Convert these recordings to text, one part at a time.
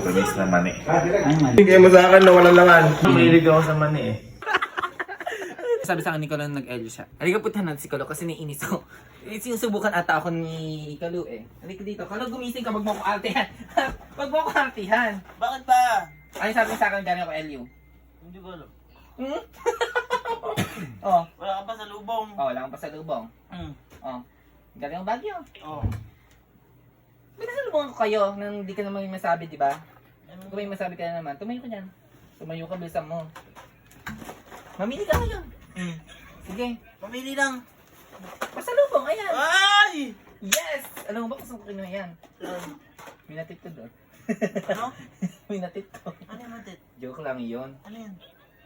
Matamis na mani. Bigay mo sa akin na walang laman. Mahilig ako sa mani eh. Sabi sa akin ni Kalo nag-L siya. Halika puntahan natin si Kalo kasi naiinis ako. Sinusubukan ata ako ni Kalo eh. Halika dito. Kalo gumising ka, wag mo ko artihan. Wag mo ko artihan. Bakit ba? Ano sabi sa akin galing ako LU? Hindi ko alam. Hmm? Oh. Wala ka pa sa lubong. Oh, wala kang pasalubong. Oh. Galing ang Baguio. Oh. May nasalubong ako kayo nang hindi ka naman may masabi, di ba? Kung may masabi ka na naman, tumayo ka dyan. Tumayo ka, bilisan mo. Mamili ka ngayon. Sige. Pamili lang. Pasalubong, ayan. Ay! Yes! Alam mo ba kung saan ko kinuha yan? May natit ko doon. Ano? May natit ko. Ano yung matit? Joke lang yun. Ano yan?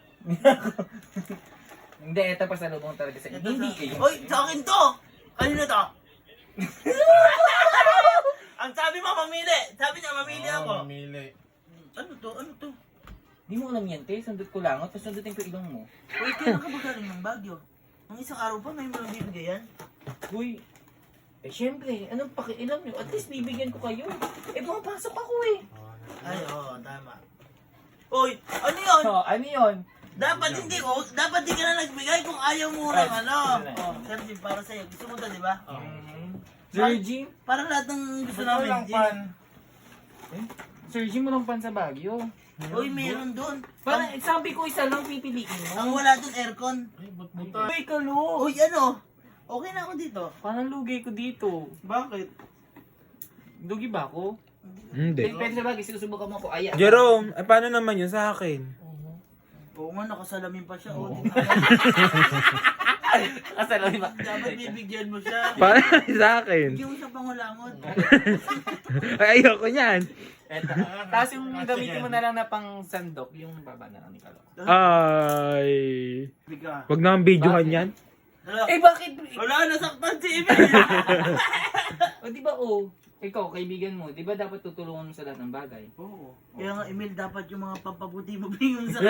Hindi, ito pasalubong talaga sa hindi eh. Oy, sa akin to! Kanino to? Ang sabi mo, mamili! Sabi niya, mamili ako. Mamili. Ano to? Ano to? Di mo alam yan, te. Sundot ko lang. Tapos sundutin ko ilong mo. Uy, kailan ka ba galing ng Baguio? Nung isang araw pa, may mga bibigay yan? Uy. Eh, syempre. Anong pakialam nyo? At least bibigyan ko kayo. Eh, pumapasok ako eh. Ay, oo, tama. Uy, ano yun? So, ano yun? Dapat hindi ko, dapat di ka na nagbigay kung ayaw mo ng ano. Oh, Sergi, para sa'yo. Gusto mo to, di ba? Sir Jim? Para lahat ng gusto Gusto namin, lang Jim. pan. Sir Jim, walang pan sa Baguio. Uy, meron doon. Parang sabi ko isa lang pipiliin Ang mo. wala doon, aircon. Ay, ba't buta? Uy, Kalo. Uy, ano? Okay na ako dito. Parang lugi ko dito. Bakit? Lugi ba ako? Hindi. Pwede sa bagay, sinusubukan mo ako. Ayan. Jerome, paano naman yun sa akin? Oo nga, nakasalamin pa siya. Oo. Kasalamin ba? Dapat bibigyan mo siya. Paano sa akin? Bigyan mo siya pangulangot. Ay, ayoko niyan. Eto. Tapos yung gamitin mo na lang na pang sandok, yung baba na lang ni Kalo. Ay. Bigyan. Wag na ang videohan yan. Eh bakit? Wala, nasaktan si Emil. O di ba ikaw, kaibigan mo, di ba dapat tutulungan mo sa lahat ng bagay? Oo. Kaya nga, Emil, dapat yung mga pampabuti mo bigyan sa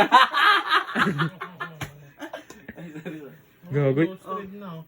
Gagoy. Close na.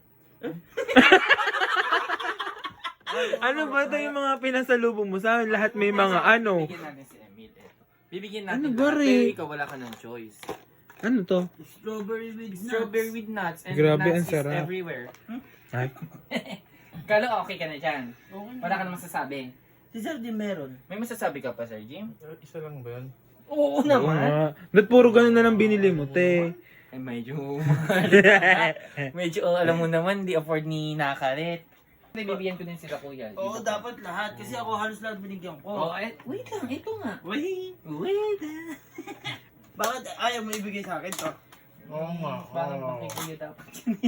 Ano ba ito yung mga pinasalubong mo sa akin? Lahat may mga ano. Bibigyan natin si Emil. Bibigyan natin Ano lahat, ba, Re? pero ikaw wala ka ng choice. Ano to? strawberry with nuts. Strawberry with nuts and Grabe, ang nuts is sarap. everywhere. Ay. Kalo, okay ka na dyan. Okay. Wala ka na masasabi. Si Sir Jim meron. May masasabi ka pa, Sir Jim? Isa lang ba yan? Oo Oo naman. nga. Ba't puro ganun na lang binili mo, te? Ay, medyo medyo, alam mo naman, di afford ni Nakaret. Bibigyan ko din sila kuya. Oo, dapat lahat. Kasi ako halos lahat binigyan ko. Oh, wait lang, ito nga. Wait. Wait. Bakit ayaw mo ibigay sa akin to? Oo nga. Parang oo. pang kuya dapat.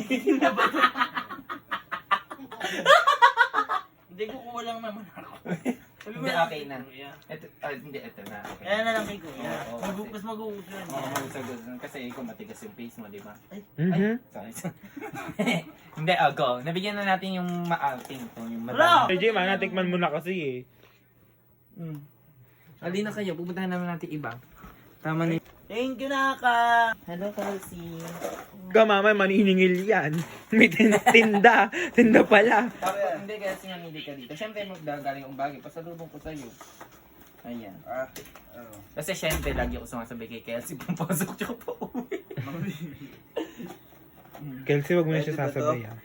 Hindi, kukuha lang naman ako. Sabi mo Hindi, lang okay kay na. Kuya. Ito, hindi, ito na. Okay. Kaya na lang kay Kuya. Oo, oo. Mas mag-uus yan. Oo, masagot. Kasi ikaw matigas yung face mo, di ba? Mhm. Sorry. Hindi, go. Nabigyan na natin yung ma-outing to. Yung Wala! Hey, Jim, natikman mo na kasi eh. Halina kayo, pupuntahan naman natin iba. Tama na. Thank you, Naka. Hello, Kalsi. Kamamay, maniningil yan. May tinda. Tinda pala. Tapos, hindi kaya sinamili ka dito. Siyempre, magdagaling yung bagay. Pasalubong ko sa'yo. Ayan. Kasi syempre, lagi ako sumasabay kay Kelsey. Pumpasok siya pa uwi. Kelsey, wag mo na siya sasabay ah.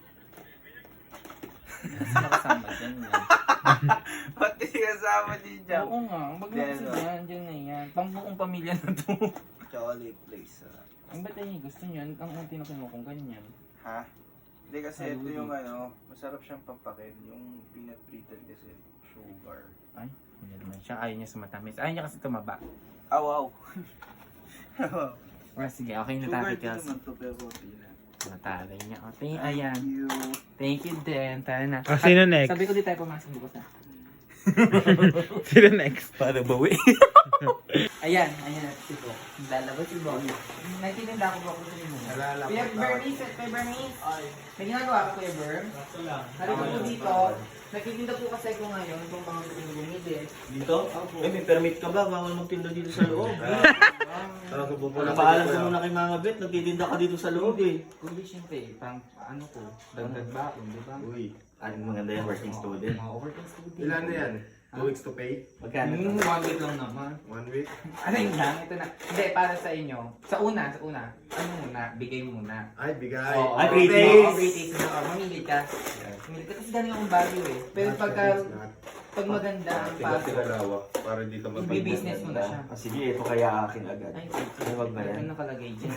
Nakasama dyan yan. Pati kasama din dyan. Oo nga, wag na kasi dyan. Dyan na yan. Pangbuong pamilya na to. Chocolate place. Ang ba't niya gusto niyo? Ang unti na kinuha kong ganyan. Ha? Hindi kasi ito Saludi. yung ano, masarap siyang pampakin. Yung peanut brittle kasi, sugar. Ay, hindi naman siya. Ayaw niya sa matamis. Ayaw niya kasi tumaba. Ah, wow. Well, sige, okay na Sugar tayo, din Kelsey. naman to, pero peanut. Natagay niya. Okay, ayan. Thank you. Thank you din. Tara na. Ah, sino next? Sabi ko di tayo pumasok bukas na. Sino next? Para bawi. Ayan, ayan. Si Bo. Lalabas si Bo. Nagtitinda ako ba kung sino mo? Kuya Bernice, Kuya Bernice. May ginagawa ka, Kuya Berm? Halika po dito. Nagtitinda po kasi ko ngayon kung mga gusto nyo bumili. Dito? Eh, may permit ka ba? Bawal magtinda dito sa loob. Napaalam ka muna kay Mama Bet, nagtitinda ka dito sa loob eh. Kundi syempre, pang ano ko, dagdag baon, di ba? Uy, ano maganda yung working student. Mga overtime student. Ilan na yan? 2 weeks to pay? Magkano to? 1 week lang naman. 1 week? Ano yun lang? Ito na. Hindi, para sa inyo. Sa una. Ano muna? Bigay muna. Ay, bigay. Oo, Ay, oo, free oo, taste. free taste na. Oo, mamili ka. Mamili ka. Kasi galing akong value eh. Pero pag maganda ang paso, Tinalawak para hindi ka i-business mo na siya. Ah, sige, ito kaya akin agad. Ay, Ay, wag na yan. ano nakalagay dyan?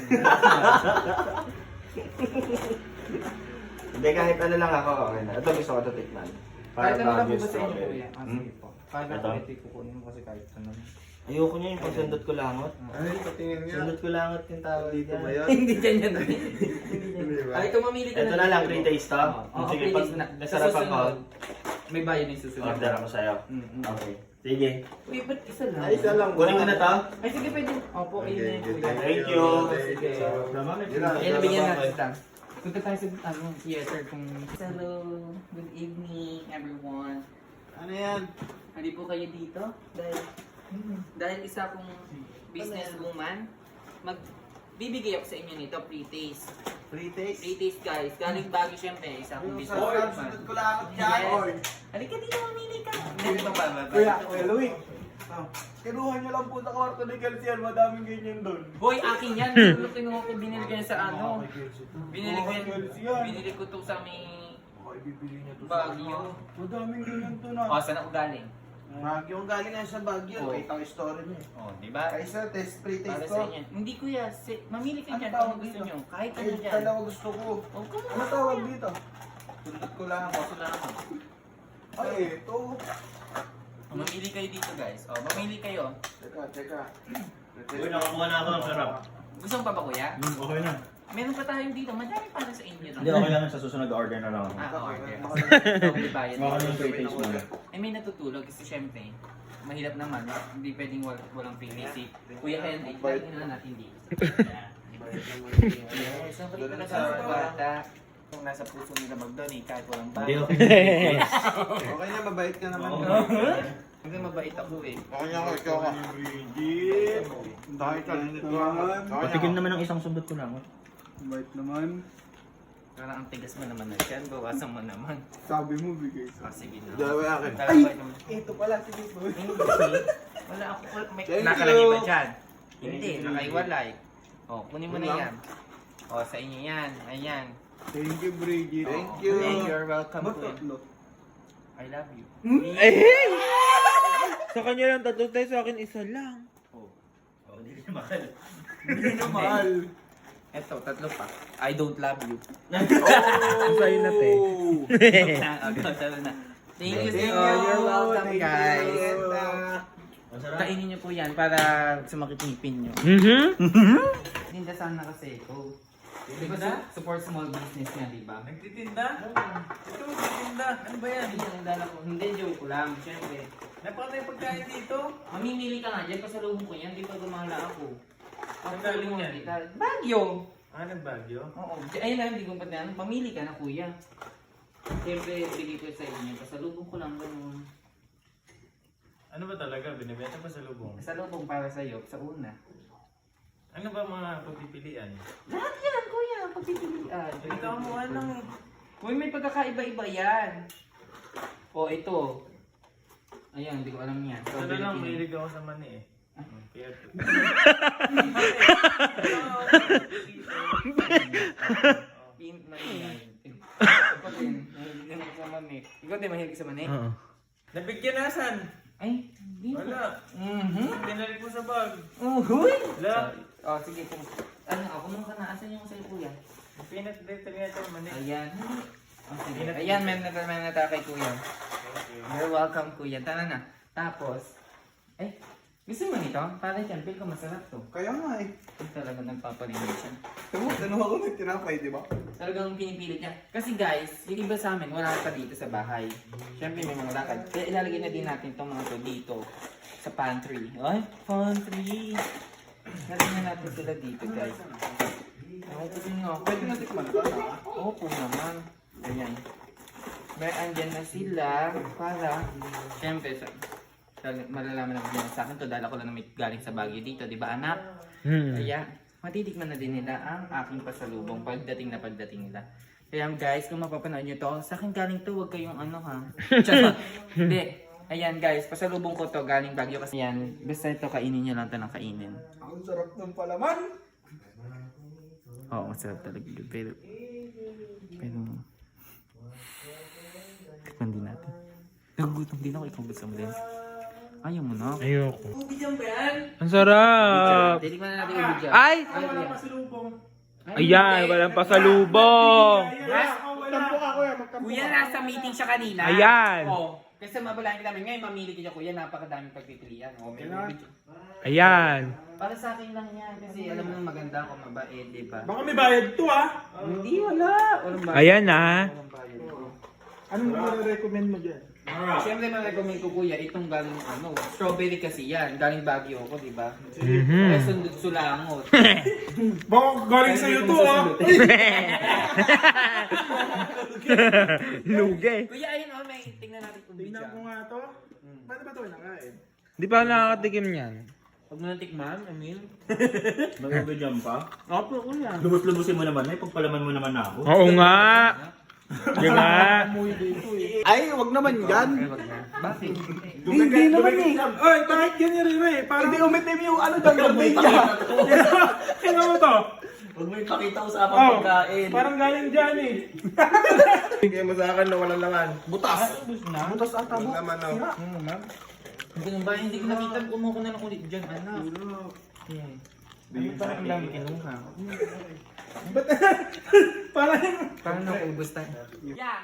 Hindi, kahit ano lang ako, okay na. Ito gusto ko ito tikman. Kahit ano lang po Baguio ba sa inyo strawberry. kuya? Ah, sige po. Kahit Ito? ako ito kukunin mo kasi kahit ano. Ayoko niya yung pagsundot ko langot. Ay, patingin nga. Sundot ko langot yung tawag Dito ba dyan. yan? Hindi ganyan. Hindi ba? Ay, ito mamili ka Ito na lang, free taste to. Oo, Sige, free pag taste na. Sa nasarapan ko, susunod, may bayad yung susunod. order ako sa'yo. Mm-mm. Okay. Sige. Uy, ba't isa lang? Ay, isa lang. Kunin ko na to. Ay, sige, pwede. Opo, Okay, ayun na yun, kuya. Thank you. Sige. Yun lang. Ayan, nabigyan natin ito. Punta tayo sa theater kung... Hello, good evening everyone. Ano yan? Hindi po kayo dito? Dahil isa akong businesswoman, magbibigay ako sa inyo nito, free taste. Free taste? Free taste guys. Galing Baguio syempre, isa akong businesswoman. Sunod ko lang yan. Yes. Halika dito, mamili ka. Dito pa ba? Kuya Louie. Kinuha niyo lang po sa kwarto ni Kelsian. Madaming ganyan doon. Hoy, akin yan. Siguro kinuha ko, binili ko yan sa ano. Binili ko yan. Binili ko to sa may Ay, bibili niya to Baguio. Madaming ganyan to na. O, saan ako galing? Baguio ang galing nga sa Baguio. Oh. Wait, ang story niya. O, di ba? Kaysa, test free Para taste sa ko. inyo. Hindi kuya, mamili ka Ano dyan tawag kung gusto dito? nyo. Kahit ano Ay, dyan. dalawa gusto ko. O, kung Ano tawag dito? Sunod ko lang. Gusto lang ako. Ay, ito. O, mamili kayo dito guys. O, mamili kayo. Teka. Uy, nakakuha na ako ng sarap. Gusto mo pa ba kuya? Okay na. Meron pa tayong dito. Madami para sa inyo. Hindi, okay lang sa susunod order na lang ako. Okay. Double bayad. Baka ng free taste muna. Ay, may natutulog kasi syempre, mahirap naman. Hindi pwedeng walang free taste. Kuya Henry, lagi na natin dito. Yes, ang balik talaga sa bata. Kung nasa puso nila mag-donate kahit walang Hindi, bayad. okay. Okay na, mabait ka naman. Kasi mabait ako eh. Okay na ako, ikaw ka. Bridget. Dahil ka naman. Patikim naman ng isang sundot ko lang. Mabait naman. Parang ang tigas mo naman na dyan. Bawasan mo naman. Sabi mo, bigay sa Sige na. Dalawa akin. Ay! Ito pala, sige po. Hindi. Wala ako. May Thank nakalagay you. ba dyan? Hindi. Thank you. Nakaiwalay. O, kunin mo na Wala. yan. O, sa inyo yan. Ayan. Thank you, Bridget. Thank Oo. you. You're welcome. Ba't Kuya. tatlo? I love you. Sa kanya lang tatlo tayo, sa akin isa lang. Oh, hindi na mahal. Hindi na mahal. Eto, tatlo pa. I don't love you. Ang sa'yo na, te. Talo na. Thank you, Thank sir. you. You're welcome, Thank you. guys. Masarap. Kainin niyo po yan para sumakit ngipin niyo. Tinda sana kasi ito. Diba support small business niya, di ba? Nagtitinda? Ito, nagtitinda. Ano ba yan? Hindi, ang dala ko. Hindi, joke ko lang. Siyempre. Napakatay pagkain dito. Mamimili ka nga dyan, pasalubong ko yan. Di pa gumala ako. Ang galing yan? Bagyo! Ah, nagbagyo? Oo. Ayun lang, hindi ko pa na. Pamili ka na, kuya. Siyempre, bigay ko sa inyo. Pasalubong ko lang ganun. Ano ba talaga? Binibenta pa sa lubong? Pasalubong para sa'yo, sa una. Ano ba mga pagpipilian? Lahat yan, kuya. Pagpipilian. Ito ang mukha lang eh. Uy, may pagkakaiba-iba yan. O, ito. Ayan, hindi ko alam yan. Ito na lang, mahilig ako sa mani eh. Kaya Ikaw din, mahilig ako sa mani. Ikaw din, mahilig sa mani? Oo. nabigyan nasan? Ay, hindi ko. Wala. Mhm. Binalik mo sa bag. Uhuy! Wala. O, sige. Ano, ako muna ka na. Asan yung sa'yo, kuya? Peanut butter nga ito, mani. Ayan. Oh, sige. Ayan, may nataka kay kuya. You're welcome, kuya. Tara na. Tapos, gusto mo nito? Para dyan, feel ko masarap to. Kaya nga eh. Ito talaga nagpapalinis siya. Tanong ako ng tinapay, di ba? Talagang pinipilit niya. Kasi guys, yung iba sa amin, wala pa dito sa bahay. Siyempre may mga lakad. Kaya ilalagay na din natin itong mga to dito. Sa pantry. Ay, pantry! Lalagyan na natin sila dito, guys. Ako kasi nga. Pwede natin kumantan ha? Opo naman. Ayan. May andyan na sila para, siyempre, malalaman naman nila sa akin to dahil ako lang may galing sa Baguio dito, di ba anak? Kaya, matitikman na din nila ang aking pasalubong pagdating nila. Kaya guys, kung mapapanood nyo to, sa akin galing to, huwag kayong ano ha. Tsaka, hindi, Ayan guys, pasalubong ko to galing Baguio kasi yan. Basta ito, kainin nyo lang ito ng kainin. Ang sarap ng palaman. Oo, masarap talaga. Pero tikman din natin. Nagugutom din ako, ikaw gusto mo din. Ayaw mo na. Ayoko. Ubi dyan ba yan? Ang sarap! Titikman na natin yung dyan. Ay! Kuya. Ayan, walang pasalubong! Kuya, nasa meeting siya kanina. Ayan. Oo. Kasi mabalahin ka namin. Ngayon, mamili ka dyan, kuya. Napakadaming pagpipilian. O, may video. Ayan. Para sa akin lang yan. Kasi alam mo nang maganda ako, mabait, di ba? Baka may bayad to Hindi, wala. Walang bayad. Ayan na. Walang bayad. Anong recommend mo dyan? Siyempre, ma-recommend ko kuya, itong galing strawberry kasi yan. Galing Baguio ako, di ba? Mhm. Kaya sundot sulangot. Baka galing sa'yo to Lugi. Kuya, ayun o, may tingnan natin kung Tingnan ko nga to. Paano ba to nakain? Di pa ako nakakatikim niyan. Pag mo natikman, Emil. Magagawin pa? Opo, kuya. Lubos-lubosin mo naman, pagpalaman mo naman ako. Oo nga. Di ba? Ay, wag naman yan. Bakit? Hindi naman eh. Ay, bakit ganyan rin eh? Parang hindi umitim yung ano dyan, gamit niya. Kaya mo to? Huwag mo ipakita usapang Oh, pagkain. parang galing dyan eh. Bigay mo sa akin na walang laman. Butas. Butas ata mo. Laman na. Ganun ba? Hindi ko nakita. Kumuha ko na lang ulit dyan, anak. Ano ba ang dami kinuha? Parang naubos tayo. Kuya!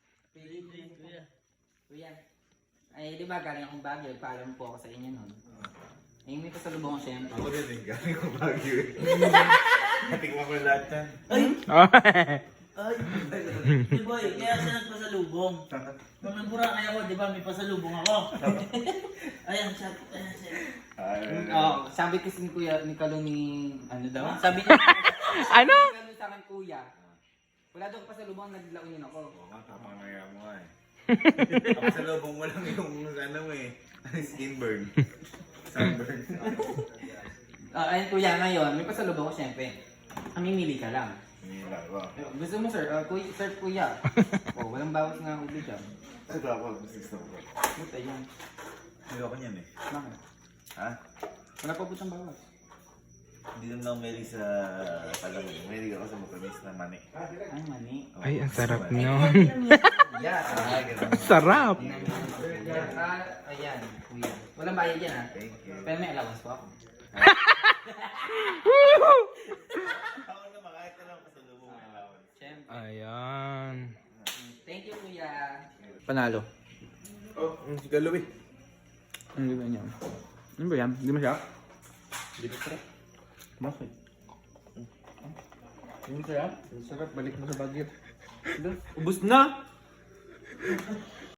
Kuya. Ay, di ba galing akong Baguio? Paalam po ako sa inyo nun. Ay, may pasalubong ko siyempre. Ako din eh, galing ko Baguio eh. Natikman ko lahat yan. Ay, di ba kaya siya nagpasalubong. Nung nagburakay ako, di ba may pasalubong ako. Ayan siya. Ayan siya. Oo, sabi kasi ni Kuya, ni Kalo ni, ano daw? Sabi niya, Ano? ni Kalo sa akin, Kuya. Wala daw pasalubong, naglaunin ako. Oo nga, tama na yan mo nga eh. Ako sa lobong mo lang yung ano mo eh. Skin burn. Sunburn. Ayun Kuya, ngayon, may pasalubong ko siyempre. Mamimili ka lang. Nila ko. Gusto mo sir? Kuya, sir Kuya. Oh, walang bawas nga ulo dyan. Ito ako, gusto ko. Buta yan. Ayoko niyan eh. Bakit? Ha? Wala pa butang bawas. Hindi naman ako mahilig sa palamig. Mahilig ako sa matamis na mani. Ay, mani. Ay, ang sarap niyon. Yeah. Ang sarap. Ayan, Kuya. Walang bayad yan ha. Thank you. Pero may allowance po ako. Ako naman, kahit na lang pasalubong ng lawan. Siyempre. Ayan. Thank you Kuya. Panalo. Oh, si Galo eh. Ang ganda niya. Ano ba yan? Hindi mo siya? Hindi ko sarap. Bakit? Hindi mo siya? Sarap. Balik mo sa Baguio. Ubus na!